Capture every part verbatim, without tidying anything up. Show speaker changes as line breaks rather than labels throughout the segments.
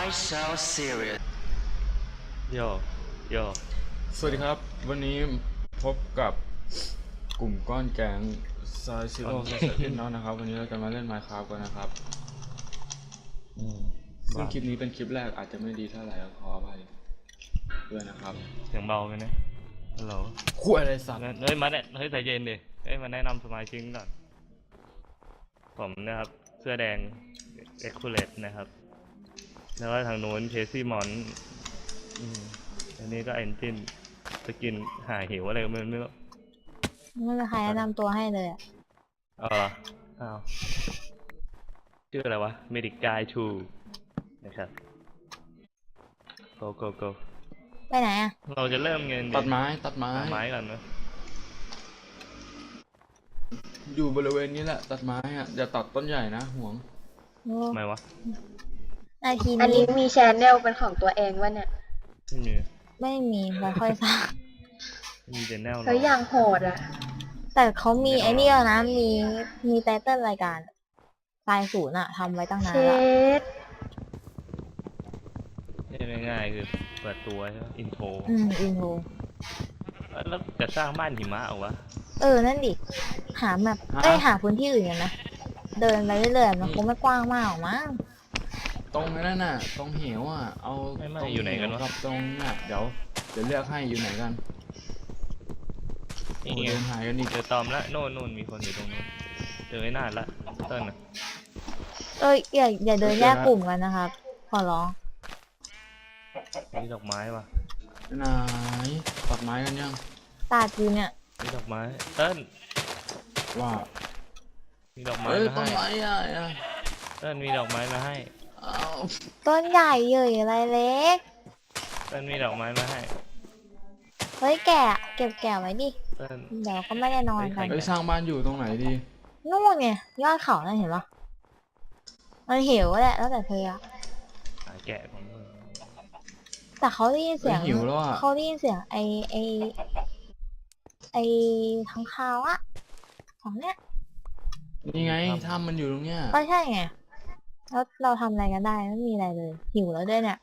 so serious
โยโย
สวัสดีครับวันนี้พบกับกลุ่มก้อนแกงซายซิโร่ซายเซนน้องนะครับวันนี้เราจะมาเล่น Minecraft กันนะครับซึ่งคลิปนี้เป็นคลิปแรกอาจจะไม่ดีเท่าไหร่ขออภัยด้วยนะครับ
เสียงเบาไหมเนี่ยฮัลโหล
คุยอะไรสัตว์
เฮ้ยมาเนี่ยเฮ้ยใจเย็นดิเฮ้ยมาแนะนำสมาชิกก่อนผมนะครับเสื้อแดงเอ็กคูเลตนะครับแล้วก็ทางโน้นเคซี่มอนอันนี้ก็เอนจินสกินหาหิวอะไรก็ไม่รู้ไม่
มีใครแนะนำตัวให้เลยอ่ะ
อ๋ออ้าวชื่ออะไรวะเมดิกกายทูนะครับ go go go
ไปไหนอ่ะ
เราจะเริ่มเงิน
ตัดไม้ตัดไม้
ตัดไม้ก่อนนะ
อยู่บริเวณนี้แหละตัดไม้อ่ะอย่าตัดต้นใหญ่นะห่วง
ทำไมวะ
นาที
อันนี้มีแชนแนลเป็นของตัวเองวะเนี่ย
ไม่มี
ไม่มีไม่ค่อยสร้าง
มีแชนแนล
เขาอย่างโหดอ่ะ
แต่เขามีไอ้นี่แล้วนะมีมีไตเติ้ลรายการสายศูนย์อะทำไว้ตั้งนานแล้ว
ง่ายๆคือเปิดตัวใช่ไหมอินโทร
อืมอินโทร
แล้วจะสร้างบ้านหิมะเอาวะ
เออนั่นดิหาแบบเอ้ยหาพื้นที่อื่นกันนะเดินไปเรื่อยๆมันคงไม่กว้างมากหรอกมั้ง
ตรงนั้นน่ะตรงเหวอ่ะเอา
ตรงอยู่ไหนกันวะ
กับตรงน่ะเดี๋ยวเดี๋ยวเลือกให้อยู่ไหนกัน
นี่ไงหายกันนี่เจอตอมละโน่นโน่นมีคนอยู่ตรงนู้นเจอไอ้นาดละเติ้ลนะ
เอ้ยอย่าอย่าเดินแยกกลุ่มกันนะครับขอร้อง
มีดอกไม้ป่ะ
ไหนตัดไม้กันยัง
ตัดอยู่เนี่ย
มีดอกไม้เติ้ล
ว่า
มีดอกไม้
มาให้
ต้น
ไม้อ่ะ
เติ้ลมีดอกไม้มาให้
ต้นใหญ่เยอะอะไรเล็ก
เติ้ลมีดอกไม้มาให้
เฮ้ยแกะเก็บแกะไว้ดิเดี๋ยวก็ไม่ได้นอนกัน
ไปสร้างบ้านอยู่ตรงไหนดี
นู่นไงยอดเขานั่นเห็นปะมันหิวแหละแล้วแต่เธออะ
แกะของมึง
แต่เขาได้ยินเสียงเขาได้ยินเสียงไอไอไอทั้งคาวอะของเนี้ย
นี่ไงถ้ำมันอยู่ตรงเนี้ย
ก็ใช่ไงแล้วเราทำอะไรกันได้ไม่มีอะไรเลยหิวแล้วด้วยเนี่ย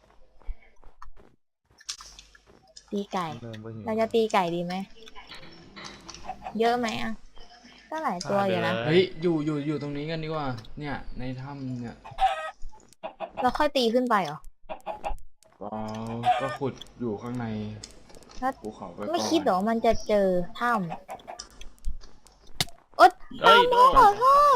ตีไก่เราจะตีไก่ดีไหมเยอะไหมอ่ะก็หลายตัวอยู่นะ
เฮ้ยอยู่อยู่อยู่ตรงนี้กันดีกว่าเนี่ยในถ้ำเนี่ย
เราค่อยตีขึ้นไปเหรอ
อ๋อก็ขุดอยู่ข้างในภูเขาไป
ไม่คิดหรอมันจะเจอถ้ำอ๊ดตามมาขอโทษ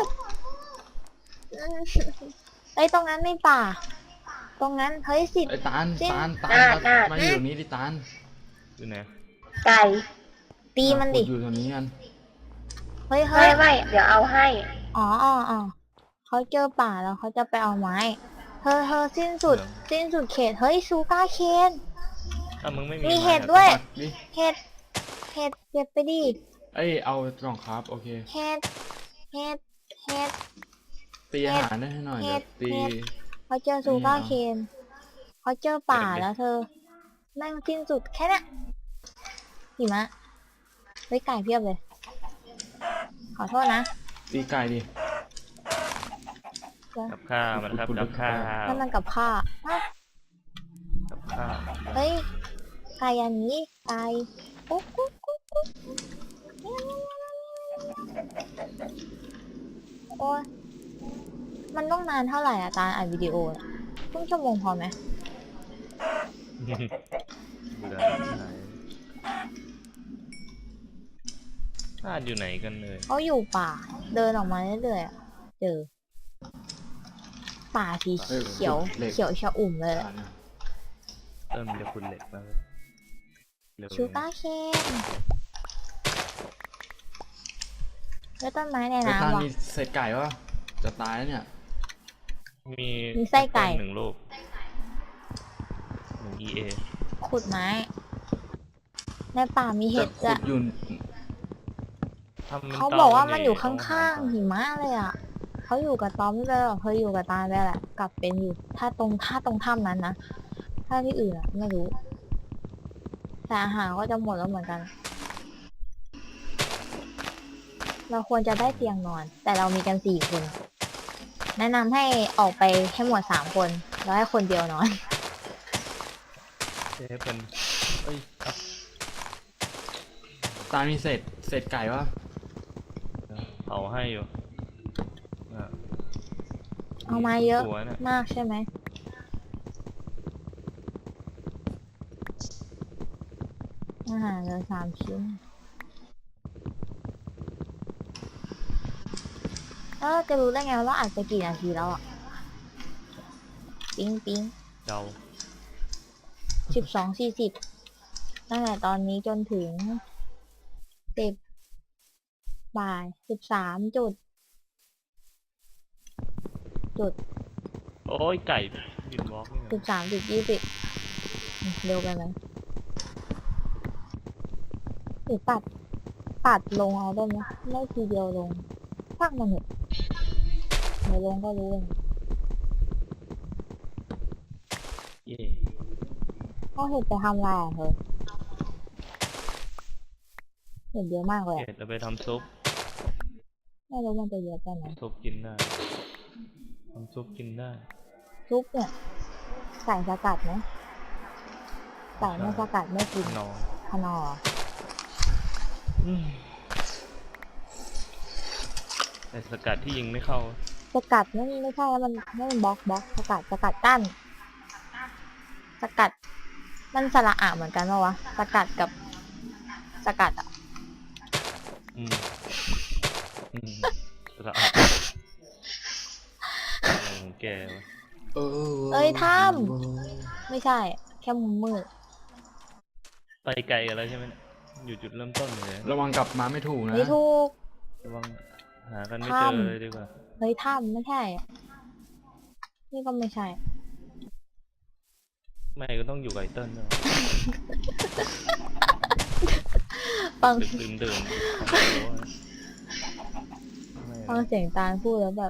ไอ้ตรงนั้นไม่ป่าตรงนั้นเฮ้ยสิ
ไอ้ตาลตาลตาลมาอยู่นี้ดิตาล
อยู่ไหน
ไก่
ตีมันดิ
อยู่ตรงนี้กัน
เฮ้ยเฮ้
ยไม่เดี๋ยวเอาให้
อ๋ออ๋ออ๋อเขาเจอป่าแล้วเขาจะไปเอาไม้เธอเธอสิ้นสุดสิ้นสุดเขตเฮ้ยซูก้าเคนมีเห็ดด้วยเห็ดเห็ดเก็บไปดิ
เอ้ยเอากล่องครับโอเค
เห็ดเห็ดเห็ด
ตีอาหารได้ให้หน่อยเดี๋ยวตี
เขาเจอซูก้าเคนเขาเจอป่าแล้วเธอแม่งสิ้นสุดแค่นี้หิมะไว้ไก่เพียบเลยขอโทษนะ
ตีไก่ดิ
กับข้าวมันครับกับข้าว
นั่นมันกับข้าว
กับข้าว
เฮ้ยไก่อันนี้ไก่กุ๊กกุ๊กกุ๊กกุ๊กโอ้ยมันต้องนานเท่าไหร่อะตาอัดวิดีโอครึ่งชั่วโมงพอไหม
น่าอยู่ไหนกันเลย
เขาอยู่ป่าเดินออกมาเรื่อยๆเจอป่าสีเขียวเขียวชะอุ่มเลย
เติมจะคุณเหล็กมา
ชูก้าเคนแล้วต้นไม้ในน้ำวะ
มีใส่ไก่วะจะตายแล้วเนี่ย
มี
มีไส้ไก่
หนึ่งลูกหนึ่ง อี เอ
ขุดไม้ในป่ามีเห็ดจะเขาบอกว่ามันอยู่ข้างๆหิมะเลยอ่ะเขาอยู่กับตอมไม่ได้หรอกเขาอยู่กับตาได้แหละกลับเป็นอยู่ถ้าตรงถ้าตรงถ้ำนั้นนะถ้าที่อื่นอะไม่รู้แต่อาหารก็จะหมดแล้วเหมือนกันเราควรจะได้เตียงนอนแต่เรามีกันสี่คนแนะนำให้ออกไปให้หมดสามคนแล้วให้คนเดียวนอน
เชฟเป็นเอ้ยครับ
ตามีเศษเศษไก่ปะ
เผาให้อยู่อ่ะ
เอามาเยอะ
ตัวเนี่ย
มากใช่ไหมอาหารเหลือสามชิ้นแล้วเราจะรู้ได้ไงว่าเราอัดไปกี่นาทีแล้วอ่ะ ปิ๊งปิ๊ง
เดา
สิบสองสี่สิบตั้งแต่ตอนนี้จนถึงสิบบ่ายสิบสามจุด จุด
โอ้ยไก่บินวอล์กนี่
สิบ
นะ
สามจุดยี่สิบเร็วไปไหมหรือปัด ปัดลงเอาได้ไหมไม่ทีเดียวลงช่างมันเถอะเดี๋ยวลงก็รู้เอง
เย่
เขาเห็ดไปทำอะไรอ่ะเธอเห็ดเยอะมากเลย
เห็
อะ
ดเราไปทำซุป
ไม่รู้มันจะเยอะไปไหน
ซุปกินได้ทำซุปกินได้
ซุปเนี่ยใส่สกัดไหมใส่ไม่สกัดไม่กิน
นอน
ขนอร์
อืมแต่สกัดที่ยิงไม่เข้า
สกัดนั่นไม่ใช่แล้วมันนั่นมันบล็อกบล็อกสกัดสกัดกั้นสกัดมันสระอะเหมือนกันปะวะสกัดกับสกัดอ่ะ
อืมอืมสะอาดอะไรของแกวะ
เออ
เอ้ยถ้ำไม่ใช่ แค่มุมมืด
ไปไกลกันแล้วใช่ไหมเนี่ยอยู่จุดเริ่มต้นเลย
ระวังกลับมาไม่ถูกนะ
ไม่ถูก
ระวังหากันไม่
ถ้ำ
เจอเลยดีกว่า
เฮ้ยถ้ำไม่ใช่อะนี่ก็ไม่ใช่
ไม่ก็ต้องอยู่กับไอเติ้ลด้วย
ฟัง
ดึกดื่นดื่นทำตัวไม่
ฟังเสียงตาลพูดแล้วแบบ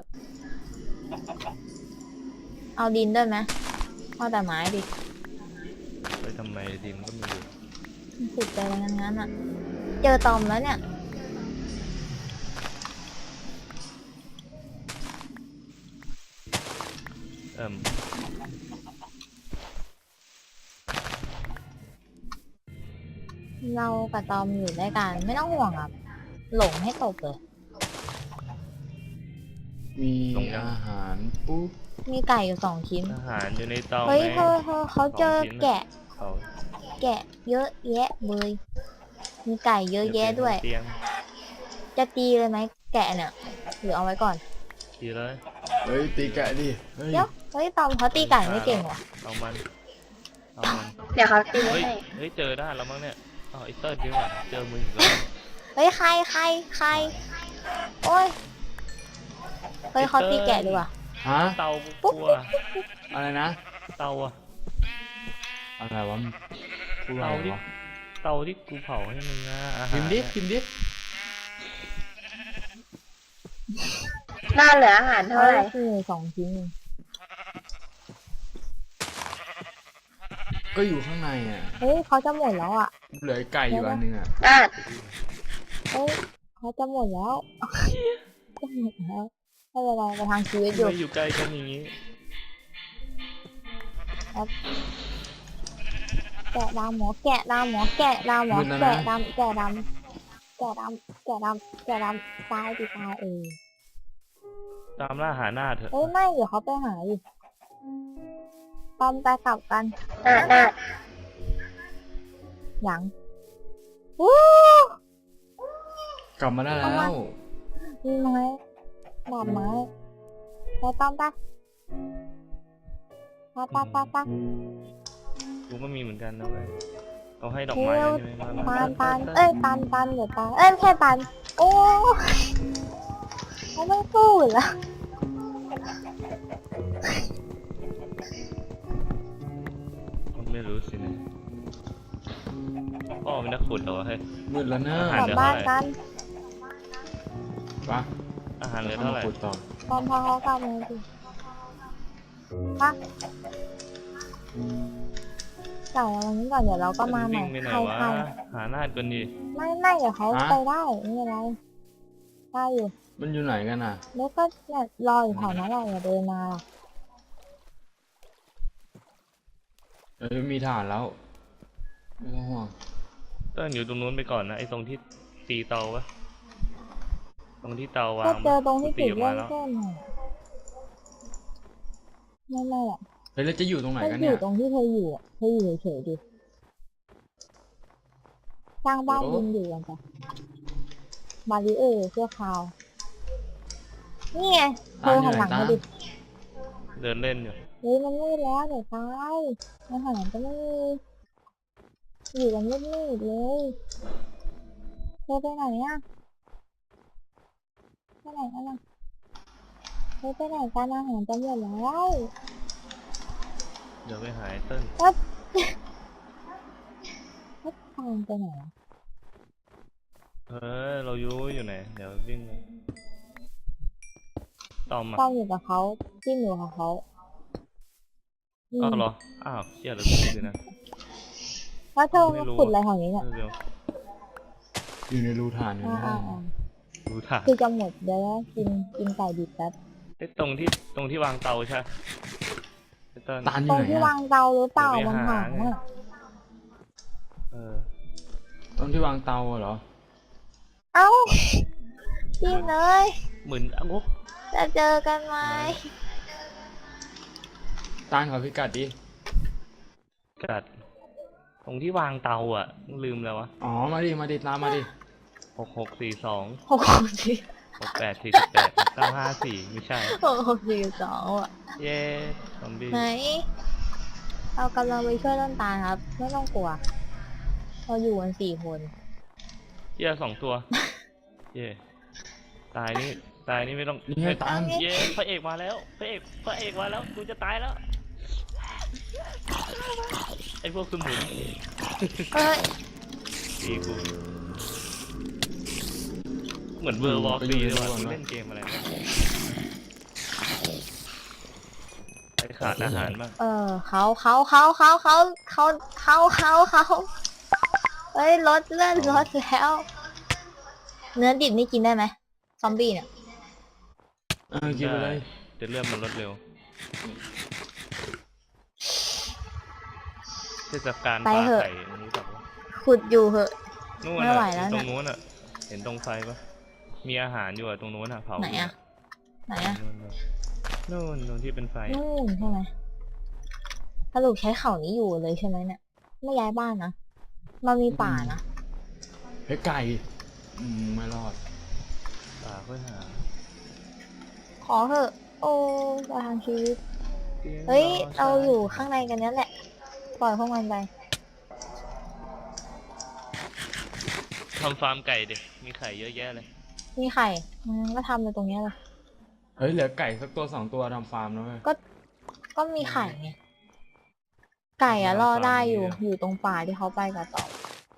เอาดินด้วยไหมเอาแต่ไม้ดิ
ไปทำไมดินก็มีอยู่
สุดใจไปทั้งนั้นอ่ะ เจอตอมแล้วเนี่ย
เอิ่ม
เรากับตอมอยู่ด้วยกันไม่ต้องห่วงอ่ะ หลงให้ตกเลย
มีอาหารปุ๊บ
มีไก่อยู่สองชิ้น
อาหารอยู่ในเตา
เฮ้ย
ไหม
เธอเธอเขาเจอแกะ
เขา
แกะเยอะแยะเลยมีไก่เยอะแยะด้วย
เตียง
จะตีเลยไหมแกะเนี่ยหรือเอาไว้ก่อน
ทีเลย
เฮ้ยตีแกะดิเฮ้ย
เดี๋ยวเฮ้ยตอมเขาตีไก่ไม่เก่งว่ะ
เอามันเอามัน
เดี๋ยวเขาตี
เฮ้ย
ให้
เฮ้ยเจอได้แล้วมั้งเนี่ยอ๋อไอเติ้ลดีกว่าเจอมึงอีกแล้ว
เฮ้ยใครใครใครโอ้ยเฮ้ยเขาตีแกะดีกว่า
ฮะ
เตากูกลัว
อะไรนะ
เตาอะ
อะไรวะพูดอะไร
เตาที่
วะ
เตาที่กูเผาให้มึงนะอาหาร
พิมพ์ดิ
เนี่ย
พิมพ์ดิ
น่าเหลืออาหารเท่าไหร่
คือสองชิ้นเอง
ก็อยู่ข้างในอ่ะ
เฮ้ยเขาจะหมดแล้วอ่ะ
เหลือไก่อยู่อันนึงอ่ะ
อ่ะ
เฮ้ยเขาจะหมดแล้ว จะหมดแล้วไม่เป็นไรไปทางชีวิตอยู่
ไม่อยู่ใกล้กันอย่างนี้
แกะดำหมอแกะดำหมอแกะดำหมอ
มืดแล้วนะ
แกะดำแกะดำแกะดำแกะดำแกะดำตายดิตายเออ
ตามล่าหาหน้าเถอะ
เอ้ยไม่เดี๋ยวเขาไปหาดิตอมไปกลับกัน
อ่ะได้
หยังวู้
กลับมาได้แล้
เอามา
ว
มีไม้ดาบไม้ไปตอมไปไปไปไปไป
กูก็มีเหมือนกันนะเว้ยเอาให้ดอกไม้แล้วใช่ไหมมา
ปาน
มา
ปานเอ้ยปานปานเดี๋ยวปานเอ้ยไม่ใช่ปานโอ้เขาไม่สู้เหรอ
ไม่รู้สินะพ่อเป็นนักขุดเหรอเฮ้ย
มืดแล้วเนอะ
อาหาร
กลับบ้านกัน
ปะ
อาหารเหลือเท่าไหร่
ขุดต่อ
ตอนพอเขากลับมาสิปะจ่ายวันนี้ก่อนเดี๋ยวเราก็มาใหม่
วิ่งไปไหน
ใคร
วะ
ใคร
หาหน้าก่อนดิ
ไม่ไม่เดี๋ยวเขาไปได้ไม่เป็นไรได้อยู่
มันอยู่ไหนกันอ่ะ
แล้วก็เนี่ยรออยู่แถวนั้นแหละอย่าเดินมาหรอก
เอ้ยมีฐานแล้วไม่ต้องห่วง
เติ้ลอยู่ตรงนู้นไปก่อนนะไอ้ตรงที่ตีเตาปะตรงที่เตาวา
ก็
ง
เจอตรงที่
ตี
จุด
ออก
เริ่
มาม แล้ว
ต้นอ่ะนั่นแหละ
เฮ้ยแล้วจะอยู่ตรงไหน
ก็
กัน
อ
เนี่
ยู่
ย
ตรงที่เธออยู่อ่ะเธออยู่เฉยๆดิสร้างบ้าน
โอ้
ดินอยู่กันจ้ะบาริเออร์เสื้อขาว นี่ไงเธอหันหลังมาดิ
เดินเล่นอยู่
เฮ้ยมันมืดแล้วเดี๋ยวตายมันหันหลังก็ไม่มีอยู่กันมืดๆเลยเธอไปไหนอ่ะไปไหนกันล่ะเธอไปไหนกันอาหารจะหมดแล้ว
เดี๋ยวไปหายเติ้ล
วัดวัดทางไปไหนอะ
เออเราอยู่อยู่ไหนเดี๋ยววิ่งไปตอมมา
ต้องอยู่กับเขาที่อยู่กับเขาอืม
อ้าวเหรออ้าวเชี่ยเราพูดเลยนะ
แล้วเธอ
ไม่
มา
รู้
ขุดอะไรแถวนี้เนี่ย
เร็ว
อยู่ในรูฐานอยู่
อ่า
ในห้
อ่า
อง
อ่า
ๆรู้ทาง
คือจะหมดเดี๋ยวนะกินกินไก่ดิบแป๊บ
ไอ้ตรงที่ตรงที่วางเตาใช่ไอ้เติ้ล
ตาลอ
ตร
ยู่
ง
ไหน
ที่
อะ
วางเตาหรือเปล่า
เดี๋ยว
มัน
ไปหา
หางอ่ะ
เออ
ตรงที่วางเตาอะเหรอ
เอ้ากินเลย
เหมือนอ้าว
จะเจอกันไหม
ตาลขอพิกัดดิ
กัดตรงที่วางเตาอ่ะลืมแล้ววะ
อ๋อมาดิมาดิตามมาดิ
หกหกสี่สอง
หกหกสี่
หกแปดสี่สิบแปดเก้าห้าสี่ไม่ใช่
หกหกสี่สองอ่ะ
เย้ซอมบี้
ไหนเรากำลังไปช่วยต้นตาลครับ ไม่ต้องกลัว เราอยู่กันสี่คน
เย้สองตัว เย้ตายนี่ตายนี่ไม่ต้อง
นี่ไงตาล
เย้พระเอกมาแล้วพระเอกพระเอกมาแล้วกูจะตายแล้วไอ้พวกสมุน
เอ้ย
ตีกูเหมือนเวอร์วอลซีเลยว่ะกูเล่นเกมอะไรวะไอ้ขาดอาหารบ้าง
เออเขาเขาเขาเขาเขาเขาเขาเขาเขาเฮ้ยลดเลือดลดแล้ว เนื้อดิบนี่กินได้ไหมซอมบี้เนี่ย
เออกินไปเลย
จะเลื่อนมันลดเร็วเทศกาลปลาไข่รู้จักปะ
ขุดอยู่เหอะ
นู่น
ไม่ไหว
น่ะ
แล้ว
ตร
เนี่ย
งนู้นอ่ะ เห็นตรงไฟปะมีอาหารอยู่อะตรงนู้นอ่ะเผา
ไหนอะไหนอะ
นู่นนู่นนู่นที่เป็นไฟ
นู่นใช่ไหมสรุปใช้เขานี้อยู่เลยใช่ไหมเนี่ย ไม่ย้ายบ้านนะ มันมีป่านะ
เฮ้ยไก่อืมไม่รอด
ป่าเพื่อหา
ขอเถอะ โอ้ประทางชีวิต เฮ้ย เราอยู่ข้างในกันนั่นแหละ ปล่อยพวกมันไป
ทำฟาร์มไก่ดิมีไข่เยอะแยะเลย
มีไข่มันก็ทำในตรงเนี้ยเลย
เฮ้ยเหลือไก่สักตัวสองตัวทำฟาร์มแล้วเว้ย
ก็ ก็มีไข่ไง ไก่อะรอได้อยู่ อยู่ตรงป่าที่เขาไปกับต่อ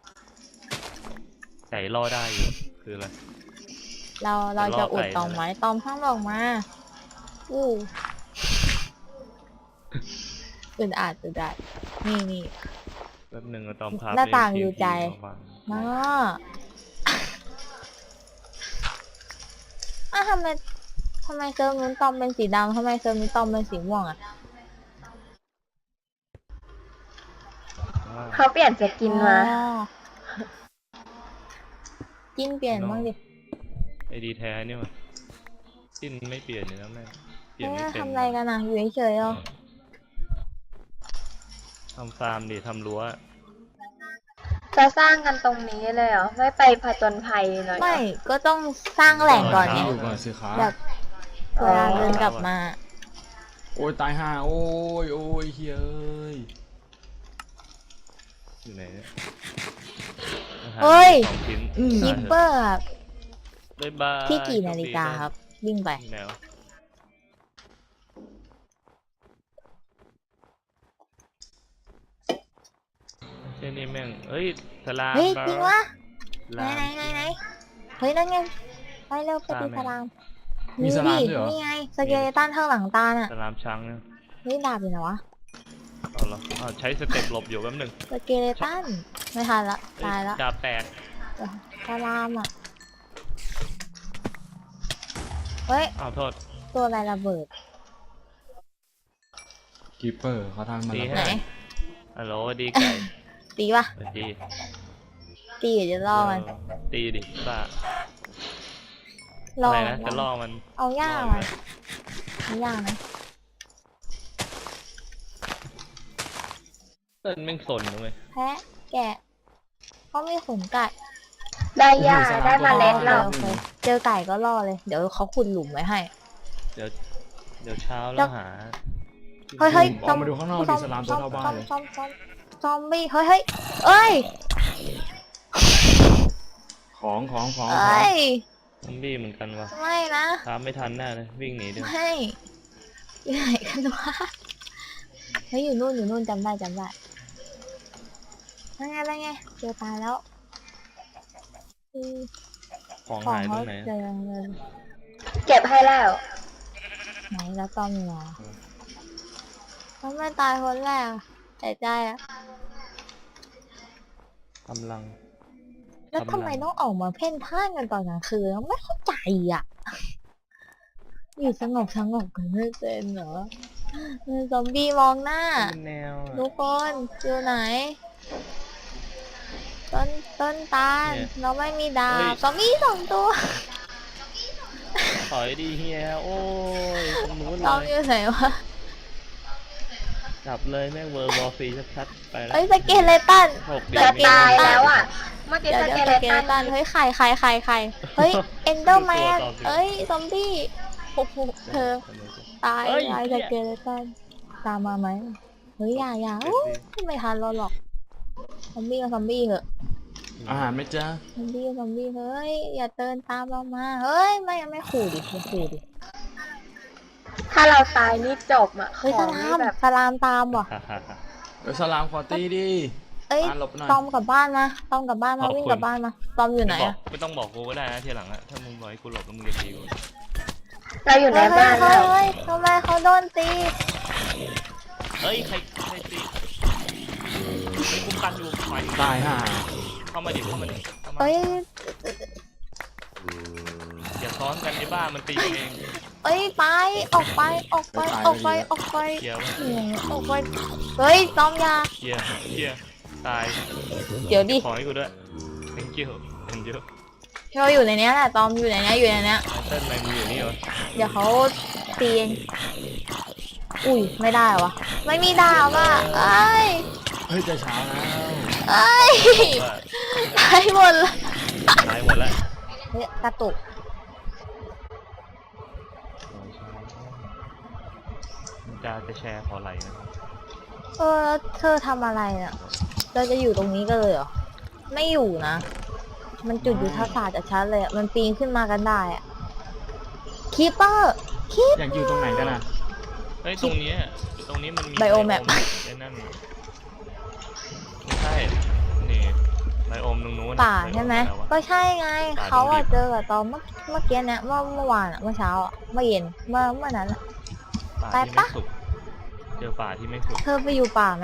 ไก่รอได้อยู่คืออะไร
เราเราจะอุด
ล่อไก่
ตอมไว้ตอมข้างลงมา อู้อึดอัดอึดอัดนี่นี่
แป๊บหนึ่งอะตอมครับ
หน้าต่าง
เล่น
อยู่ใจ
ทีมทีม
มา
มา
อ่ะทำไมทำไมเซิร์ฟนู้นตอมเป็นสีดำทำไมเซิร์ฟนี้ตอมเป็นสีม่วงอ่ะ
ว่า
เขาเปลี่ยนสกินมา
อ๋อจิ้นเปลี่ยนบ้างดิ
ไอดีแท้เนี่ยมันจิ้นไม่เปลี่ยนเลยนะแม่งเปลี่ยน
เอ๊ะ
ไม่เป็น
ทำอะไรกันอ่ะ อยู่เฉยๆอ่ะ
ทำฟาร์มดิทำรั้ว
จะสร้างกันตรงนี้เลยเหรอ ไม่ไปผจญภัยหน่อยเหรอ
ไม่ก็ต้องสร้างแหล่งก่อน
ที่
เนี่ย
อยู่ก่อนสิครับ
แบบเวลาเดินกลับมา
โอ้ยตายห่าโอ้ยโอ้ยเฮ้ย
อยู่ไหนเนี่ยอาหาร
เฮ้ย
สองชิ้น
อืม
คิปเปอร์ครับ
บ๊ายบาย
ที่กี่นาฬิกาครับ วิ่งไป
แนวเช่นนี้แม่งเฮ้ยสลาม
เฮ้ย
บา
จริงวะ
ส
ไหน
ลาม
ไหนไหนไหนเฮ้ยนั่นไงไปเร็วไปตีสลาม
มีสลาม
ดิ
ด้วยเหรอ
นี่ไงสเกเลตันข้างหลังตาน่ะ
สลามช้างเนี่ย
เฮ้ยดาบอยู่ไหนวะ
เอาเหรออ้าวใช้สเต็ปหลบอยู่แป๊บหนึง
สเกเลตันไม่ทันละ
เอ้
ตายละ
ดาบแตก
สลามอ่ะเฮ้ย
อ้าวโทษ
ตัวอะไรระเบิด
กีเปอร์เขาทำมา
ดี
แล้ว
ฮะ
ไหน
ฮัลโหลดีไก่
ตีปะ
สวัสดี
ตีเดี๋ยวจะล่อมัน
เออตีดิป้า
ล่อ
อะไร
มั
นะ
น
จะล่อมัน
เอาย่าง
ล่
มัน
เลย
เอาย่างนะ
เต้นแม่งสนนะเว้ย
แพะแกะเขามีขนไก่
ได้หญ้า
โอ้โหสลาม
ได้เมล็ด
ตัว
แล้
น้
ว
อย
โอเคเจอไก่ก็ล่อเลย เดี๋ยวเขาขุดหลุมไว้ให้
เดี๋ยวเดี๋ยวเช้าแล้วหา
เฮ้ยเฮ้ย
ออกมาดูข้างนอกดิสลามตัวเท่าบ้านเลย
ซอมซอมซอมบี้เฮ้ยเฮ้ยเอ้ย
ของของของ
เอ้ย
ซอมบี้เหมือนกันวะ
ไม่นะ
ตามไม่ทันแน่เลยวิ่งหนีเดี๋ยว
ไม่อยู่ไหนกันวะเฮ้ยอยู่นู่นอยู่นู่นจำได้จำได้นั่นไงนั่นไงเจอตายแล้วอือ
ของ
ของ
หายตร
เขา
งไหน
เจอเงิน
เก็บให้แล้ว
ไหนแล้วตอมอยู่ไหนทำไมตายคนแรกแต่ใจอะ
กำลัง
แล้วทำไมต้องออกมาเพ่นพ่านกันตอนกลางคืนไม่เข้าใจอ่ะ อยู่สงบสงบกันไม่เป็นเหรอเออซอมบี้มองหน้า
เป็นแนวอะ
ทุกคนอยู่ไหน ต้นต้นตาล
เนี่ย
เราไม่มีดา
เฮ้
บ
ย
ซอมบี้สองตัว
ถอยดีเฮียโอ้ยตรงนู้น
ซอม
เลย
อยู่ไหนวะ
จับเลยแม่งเวอร์บอลฟรีชัดๆไปแล้ว
เอ้ยสเกเลตัน
หก
จะ
ดี
ตาย
ไม่ได้
แล้วอ่ะ เมื่อกี้
เดี๋ยว
ส
เดี๋ยว
เก
ส
เล
เกเล
ตั
ตั
น
นเฮ้ยไข่ไข่ไข่ไข่เฮ้ยเอนเดอร์แมน
ตัวต่อสิ
เอ้ยซอมบี้โอ้โหเธอตาย
เอ้ย
ตาย
เหี้
ส
ย
เกเลตันตามมาไหมเฮ้ยอย่าอย่า
เดี๋
โอ้
ยวสิ
ไม่ทันเราหรอกซอมบี้ก็ซอมบี้เหอะ
อาหารไหม่จ้า
ซอมบี้ก็ซอมบี้เฮ้ยอย่าเดินตามเรามาเฮ้ยไม่ไม่ขู่ดิไม่ขู่ดิ
ถ้าเราตายนี่จบอ่ะ
เฮ้ย
ข
ส
อง
ลา
นี่
ม
แบบ
สลามตามว่ะ
ฮ่าฮ่าฮ่า
เดี๋ยวสลามขอตีดิ
เอ้ย
อ่านหลบหน่อย
ตอมกลับบ้านมาตอมกลับบ้านมา
ขอบคุณ
วิ่งกลับบ้านมาตอมอยู่ไหน
ไม่บอก
อะ
ไม่ต้องบอกกูก็ได้นะทีหลังอะถ้ามึงบอกให้กูหลบแล้วมึงจะตีกู
เราอยู่ใน
เฮ้ย
บ้าน
เฮ้
แล้
ยว เฮ้ยทำไมเขาโดนตี
เฮ้ยใครใครตีไอ้คุ้มกันอยู่ไป
ตายห่า
เข้ามาดิเข้ามาดิเข้ามา
เอ้ย
อย่าซ้อนกันในบ้านมันตีกันเอง
เอ้ยไปออกไปออกไปออกไปออกไป
เกียร์วะ
อืมออกไปเฮ้ยตอมยา
เกียร์เกียร์ตาย
เดี๋ยวดิ
ขอให้กูด้วย thank you thank you
เราอยู่ในเนี้ยแหละตอมอยู่ในเนี้ยอยู่ในเนี้ย
ไอ้เต้นแมงมึงอยู่นี่วะ
เดี๋ยวเขาตีเองอุ้ยไม่ได้วะไม่มีดาบอ่ะเอ้ย
เฮ้ยจะเช้าแล้ว
เอ้ย
ว่า
ตายหมดเลย
ตายหมดแล้ว
เฮ้ยกระตุก
จะจะแชร์ขอไหลนะ
เออแล้วเธอทำอะไรอ่ะเราจะอยู่ตรงนี้กันเลยเหรอไม่อยู่นะ มันจุดยุทธศาสตร์จากชั้นเลยอะมันปีนขึ้นมากันได้อะคีเปอร์คีป
อยากอยู่ตรงไหนกันอ่ะ
เฮ้ยตรงเนี้ยตรงนี้มันมี
ไบโอแมป
ไอ้นั่นไม่ใช่นี่ไบโอมตรงนู้น
ป่าใช่ไหม
บโออะรวะ
ก็ใช่ไง
ป่า
เขาอะ
ตรงดิบ
เจอกับตอนเมื่อเมื่อกี้เนี่ยเมื่อเมื่อวานอะเมื่อเช้าอะเมื่อเย็นเมื่อเมื่อนั้นอะ
ป่า
ไป
ที่
ปะ
ไม่สุกเจอป่าที่ไม่สุก
เธอไปอยู่ป่าไหม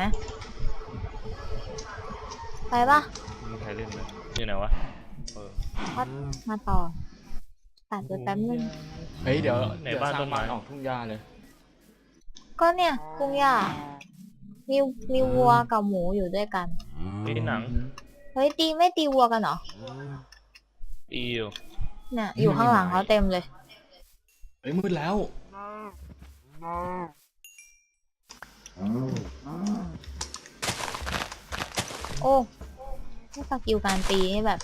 ไปปะ
มีใครเล่นไหมอยู่ไหนวะเออ
พัดมาต่อตัดไปแป๊บนึง
เฮ้ยเดี๋ยว
ไหน
เดี๋ยว
บ้าน
สร้าง
ต้นไม้
บ้านออกทุ่งหญ้าเลย
ก็เนี่ยกุ้งย่ามีมีวัวกับหมูอยู่ด้วยกัน
ตีหนัง
เฮ้ยตีไม่ตีวัวกันเหรอ
ตีอยู่
เนี่ยอยู่ข้างหลังเขาเต็มเลย
เฮ้ยมืดแล้ว
โอ้ไม่สกิลการตีนี่แบบ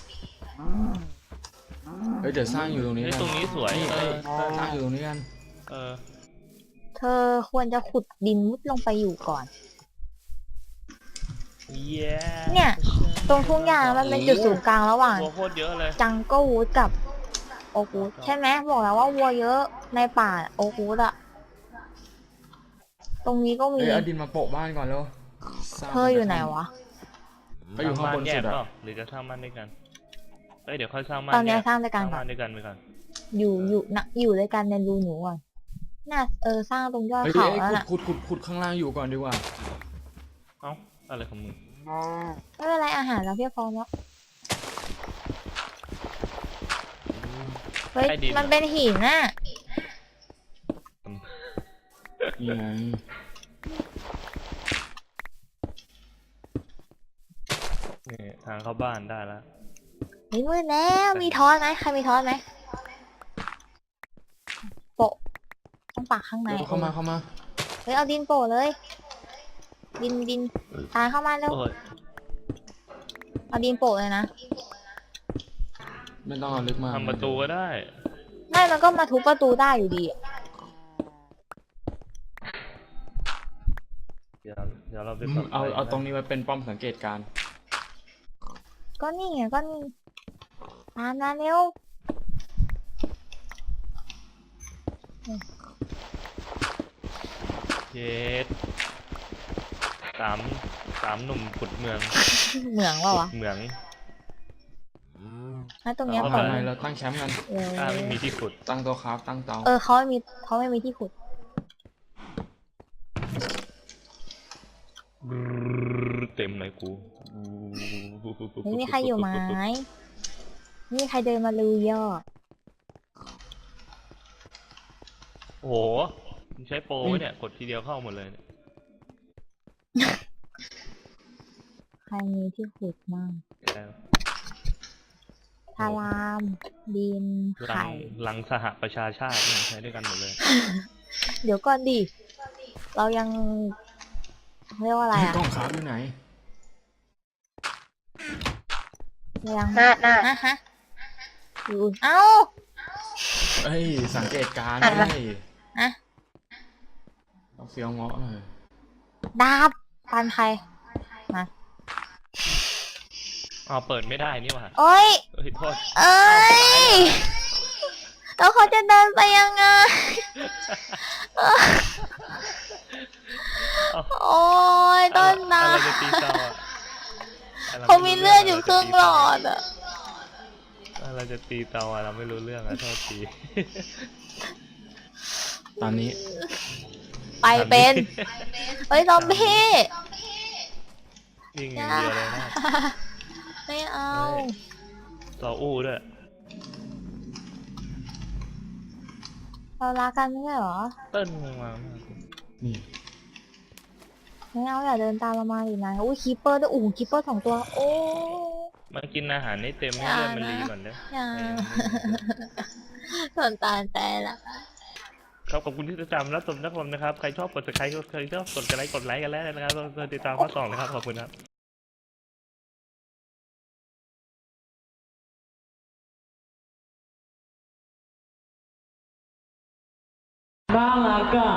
เฮ้ยเดี๋ยวสร้างอยู่ตรงนี้
เฮ้ย
กัน
ตรงนี้สวย
นี่
เอ
เอ้ย
อ
สร้างอยู่ตรงนี้กัน
เออ
เธอควรจะขุดดินมุดลงไปอยู่ก่อน
เย้
เนี่ย ตรงทุ่งหญ้ามันเป็นจุดศูนย์กลางระหว่าง
วัวโคตรเยอะเลย
จังเกิลวูดกับโอคูดใช่ไหมบอกแล้วว่าวัวเยอะในป่าโอคูดอะตรงนี้ก็มี
เฮ้ยเอาดินมาโปะบ้านก่อนแล้วสร้าง
เธออยู่ไหนวะ
เขาอยู่ข้างบน
แย
สุ
ก
ด
เป
อะ
ล่าหรือจะสร้างบ้านด้วยกันเอ้ยเดี๋ยวค่อยสร้างบ้าน
ตอนนี้
แยก
สร้างด้วยกัน
สร้าง
ก่อ
บ้าน นด้วยกันไปก่อน
อยู่อยู่นะอยู่ด้วยกันในรูหนูก่อนน่าเออสร้างตรงยอด
เฮ้ย
เขา
เอ้ย
แล้วน่ะ
ขุดขุดขุดขุดข้างล่างอยู่ก่อนดีกว่า
เอ้าอะไรของมึง
ไม่เป็นไรอาหารเราเพียบพร้อมแล้วเฮ้ย
ใต้ดิน
มันเป็นหินน่ะ
นี่ไง
นี่ทางเข้าบ้านได้แล้ว
เฮ้ยมืดแล้วมีทอนไหมใครมีทอนไหมโปะต้องปักข้างใน
เดี๋ยวเข้ามาเข้ามา
เฮ้ยเอาดินโปะเลย ดินดินตายเข้ามาเร็ว
โอ้ย
เอาดินโปะเลยนะ
ไม่ต้องเอาลึกมาก
ทำประตูก็ได้
ไม่มันก็มาทุบประตูได้อยู่ดีอะ
เดี๋ยวเดี๋ยวเราไป
อื
ป
ม
รับ
เอา
ไฟ
เอาตรงนี้ไว้เป็นป้อมสังเกตการณ์
ก็นี่ไงก็นี่ตามมาเร็ว
เย็ดสามสามหนุ่มขุดเมือง
เหมืองเปล่าวะ
เหมือง
แล้วตรงเนี้ย
เอา
เปิด
ทำไมเราตั้งแคมป์กัน
เออ
ถ้าไม่มีที่ขุด
ตั้งโต๊ะครับตั้งเตา
เออเขาไม่มีเขาไม่มีที่ขุด
เต็มเลยกู
ไม่มีใครอยู่ไหมไม่มีใครเดินมาลือยอด
โอ้โหมึงใช้โปรไว้เนี่ย กดทีเดียวเข้าหมดเลยเนี่ย
ใครมีที่ขุดมั่ง
แล้ว
พารามดิน
ลั
ไข่
งลังสหประชาชาติเนี่ยใช้ด้วยกันหมดเลย
เดี๋ยวก่อนดิ เรายังเรียกว่าอะไร
เฮ้ย
อะ
กล้องครับอยู่ไหน
เรายัง
หน้าหน้า
ฮะฮะอยู่เอ้า
เอ้ยสังเกตการณ์
อ่ะ
ได้
อะ
เอาเฟี้ยวเงาะหน่อย
ดาบปันใครมา
อ๋อเปิดไม่ได้นี่หว่า
โอ้ย
เอ้ยโทษ
เอ้ยแล้วเขาจะเดินไปยังไง
เอ้า
โอ้ยต้นน้
อะไรจะตีเตาอ่ะ
ำเขามีเลือดอยู่ครึ่งหลอดอะ
อะไรจะตีเตาอ่ะเราไม่รู้เรื่องอ่ะโทษที
ตอนนี้
ไปเป็นเฮ้ยซอมบี้
ยิงอ
อย่
า
ย่าง
เดียวเลยนะ
ไม่เอา
เฮ้ย ต่ออู้ด้วย
เรารักกันไม่ใช่เหรอ
เติ้ลงงมาก
นี่
ไม่เอาอย่าเดินตามเรามาอีกนะอุ้ยคีเปอร์ด้วยอู้คีเปอร์สองตัว โอ้
มันกินอาหารให้เต็มให้เลือดมันรีก่อนเด้อ
อย่า
ให้มันไม่
สนตาลแต่ละ
ครับขอบคุณที่ติดตามรับชมรับชมนะครับ ใครชอบกด subscribe ใครชอบกดไลค์กดไลค์กันแล้วนะครับก็ติดตามข้อสองนะครับ ขอบคุณครับ